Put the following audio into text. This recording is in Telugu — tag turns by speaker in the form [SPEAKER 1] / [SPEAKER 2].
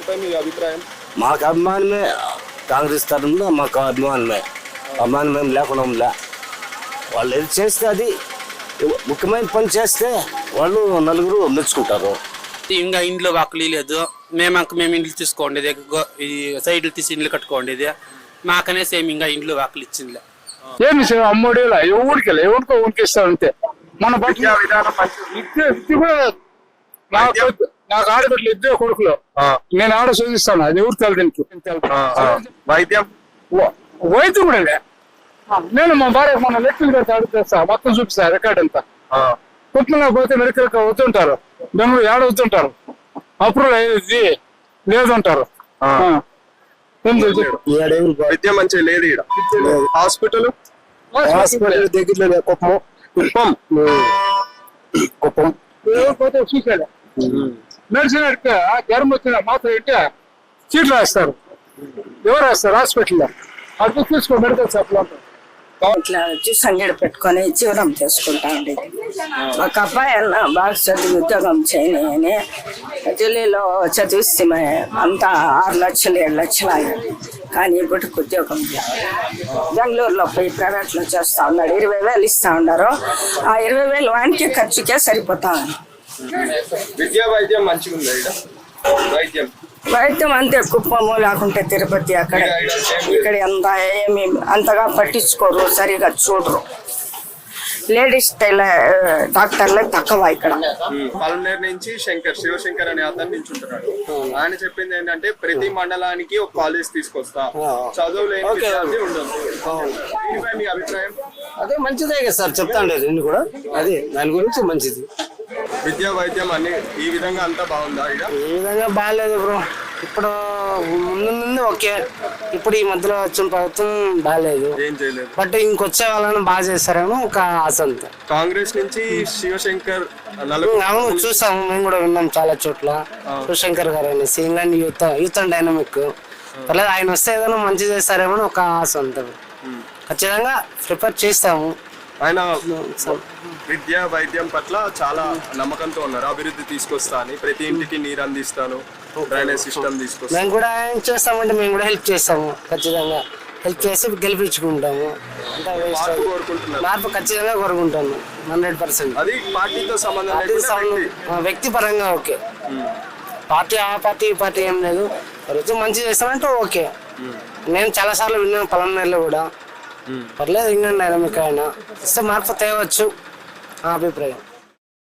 [SPEAKER 1] ఆయనపై మీ అభిప్రాయం?
[SPEAKER 2] మాకు అభిమానమే, కాంగ్రెస్ తరఫున మాకు అభిమానమే. అభిమానం ఏం లేకుండా వాళ్ళు ఏది చేస్తే అది ముఖ్యమైన పని చేస్తే వాళ్ళు నలుగురు మెచ్చుకుంటారు.
[SPEAKER 3] ఇంకా ఇంట్లో వాకులు లేదు, మేము ఇండ్లు తీసుకోండి, ఈ సైడ్లు తీసి ఇండ్లు కట్టుకోండి, మాకనే సేమ్ ఇంకా ఇంట్లో వాకులు ఇచ్చిందిలే.
[SPEAKER 4] ఏమి అమ్మోడి ఎవరికి ఎవరికో ఊరికి ఇస్తారు అంతే. మన
[SPEAKER 1] విద్యా విధానం
[SPEAKER 4] నాకు ఆడబిడ్డలు ఇద్దరు కొడుకులు, నేను ఆడ చదివిస్తాను, అది ఎవరు తెలదనికి.
[SPEAKER 1] వైద్యం
[SPEAKER 4] వైద్యం కూడా నేను మా భార్య మన లెక్కలు పెడితే అడుగుతా, మొత్తం చూపిస్తా రికార్డ్ అంతా. కుటుంబంలో పోతే మెడికల్ వద్దుంటారు, బెంగళూరు ఏడ వద్దుంటారు, అప్రూవల్ అయ్యేది లేదంటారు.
[SPEAKER 1] విద్య మంచిగా లేదు ఇక్కడ. హాస్పిటల్
[SPEAKER 2] దగ్గరలో కుప్పం
[SPEAKER 4] పోతే చూసాడు మెడిసిన్ అడిగితే జ్వరం వచ్చిన మాత్రం ఇంటే చీట్లు వేస్తారు. ఎవరు వేస్తారు హాస్పిటల్లో? అది తీసుకో మెడికల్ షాప్ లో.
[SPEAKER 5] ఇట్లా వచ్చి సంగడి పెట్టుకొని జీవనం చేసుకుంటా ఉండేది. ఒక అబ్బాయి అన్న బాగా చదివి ఉద్యోగం చేయని ఢిల్లీలో చదివిస్తే అంతా 6 లక్షలు 7 లక్షలు అయ్యాయి. కానీ ఇప్పటికి ఉద్యోగం బెంగళూరులో పోయి ప్రైవేట్లో చేస్తా ఉన్నాడు. 20,000 ఇస్తా ఉన్నారు. ఆ 20,000 వానికి ఖర్చుకే సరిపోతా ఉంది.
[SPEAKER 1] విద్యా వైద్యం మంచిగా ఉంది ఇక్కడ.
[SPEAKER 5] వైద్యం అంతే, కుప్పము లేకుంటే తిరుపతి అక్కడ ఇక్కడ ఏమి అంతగా పట్టించుకోరు, సరిగా చూడరు. లేడీస్ డాక్టర్లకు తక్కువ ఇక్కడ.
[SPEAKER 1] పల్మనేరు నుంచి శివశంకర్ అనే అతను నిల్చుంటున్నాడు. ఆయన చెప్పింది ఏంటంటే ప్రతి మండలానికి ఒక కాలేజ్ తీసుకొస్తా, చదువు లేని విద్యార్థి ఉండదు. దీనిపై మీ అభిప్రాయం?
[SPEAKER 2] అదే మంచిదే కదా సార్, చెప్తాండే రెండు కూడా, అదే దాని గురించి మంచిది.
[SPEAKER 1] విద్యా వైద్యం అన్ని ఈ విధంగా అంతా బాగుందా?
[SPEAKER 2] ఈ విధంగా బాగాలేదు బ్రో. ఇప్పుడు ముందు ఓకే, ఇప్పుడు ఈ మధ్యలో వచ్చిన ప్రభుత్వం బాగాలేదు,
[SPEAKER 1] ఏం చేయలేదు.
[SPEAKER 2] బట్ ఇంకొచ్చే వాళ్ళని బాగా చేస్తారేమో ఒక ఆశ అంతా.
[SPEAKER 1] కాంగ్రెస్ నుంచి శివశంకర్
[SPEAKER 2] అవును చూసాము, మేము కూడా విన్నాం చాలా చోట్ల. శివశంకర్ గారు అనేసి ఇంగ్లాండ్ యూత్ అండ్ డైనమిక్ పర్లేదు, ఆయన వస్తే ఏదైనా మంచి చేస్తారేమో ఒక ఆశ ఉంటుంది. ఖచ్చితంగా ప్రిపేర్ చేస్తాము.
[SPEAKER 1] ఆయన విద్యా వైద్యం పట్ల చాలా నమ్మకంతో ఉన్నారు. అభివృద్ధి తీసుకొస్తా అని, ప్రతి ఇంటికి నీరు అందిస్తాను, డ్రైనేజ్ సిస్టమ్ తీసుకొస్తాను.
[SPEAKER 2] మేము కూడా ఏం చేస్తామంటే మేము కూడా హెల్ప్ చేస్తాము, ఖచ్చితంగా హెల్ప్ చేసి గెలిపించుకుంటాము. మార్పు ఖచ్చితంగా కోరుకుంటాము 100%.
[SPEAKER 1] అది పార్టీతో సంబంధం,
[SPEAKER 2] వ్యక్తిపరంగా ఓకే. పార్టీ ఆ పార్టీ ఈ పార్టీ ఏం లేదు, రోజు మంచి చేస్తామంటే ఓకే. నేను చాలా సార్లు విన్నాను పలమనేరులో కూడా, పర్లేదు ఇంగ్లాండ్ డైనమిక్ అయినా ఇస్తే మార్పు తేవచ్చు నా అభిప్రాయం.